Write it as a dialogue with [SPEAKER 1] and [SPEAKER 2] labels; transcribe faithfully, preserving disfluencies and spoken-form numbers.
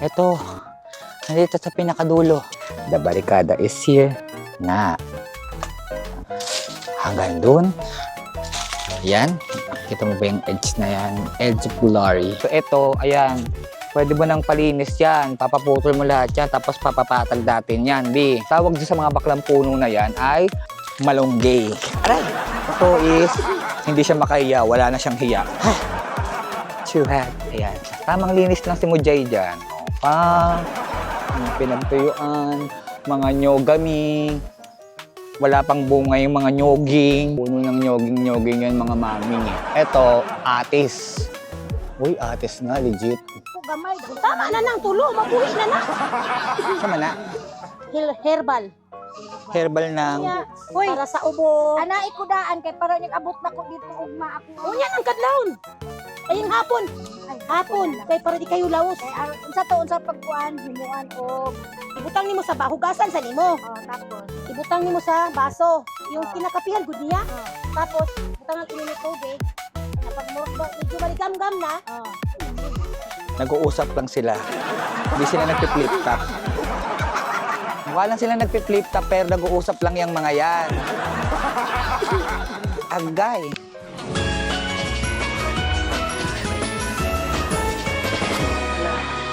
[SPEAKER 1] Ito, nandito sa pinakadulo. The barricada is here na. Hanggang dun. Ayan. Kita mo ba yung edge na yan? Edge of glory. So ito, ayan. Pwede mo nang palinis yan. Papaputol mo lahat yan. Tapos papapatag natin yan. Di. Tawag din sa mga baklang puno na yan ay malunggay. Aray! Ito is, hindi siya makahiya. Wala na siyang hiya. Chuhat. Ayan. Tamang linis lang si Mujay dyan. O, pa. Pinagtuyuan. Mga nyogami. Wala pang bunga yung mga nyoging. Puno ng nyoging-nyoging yan mga maming. Ito, atis. Uy, atis na. Legit.
[SPEAKER 2] Gamay. Tama na nang tulo, mabuhis na na.
[SPEAKER 1] Sama na.
[SPEAKER 2] Hil- herbal.
[SPEAKER 1] Herbal ng...
[SPEAKER 2] Hoy, para sa ubo. Ana ikudaan kay para nag-abot na ko dito ugma ako. Unya nang kadlawon. Ayong hapon. Ay, hapon. Kay para di kayo laos. Kay unsa to unsa pagkuan himuan og ibutang nimo sa bahugasan sa nimo. Oh, tapos ibutang nimo sa baso. Yung kinakapihan gud niya. Tapos butang ang init tubig. Kapag mo medyo maligam-gam na. Oh.
[SPEAKER 1] Nag-uusap lang sila. Hindi sila nagpi-flip top. Mukha lang sila nagpi-flip top pero nag-uusap lang yung mga yan. Agay.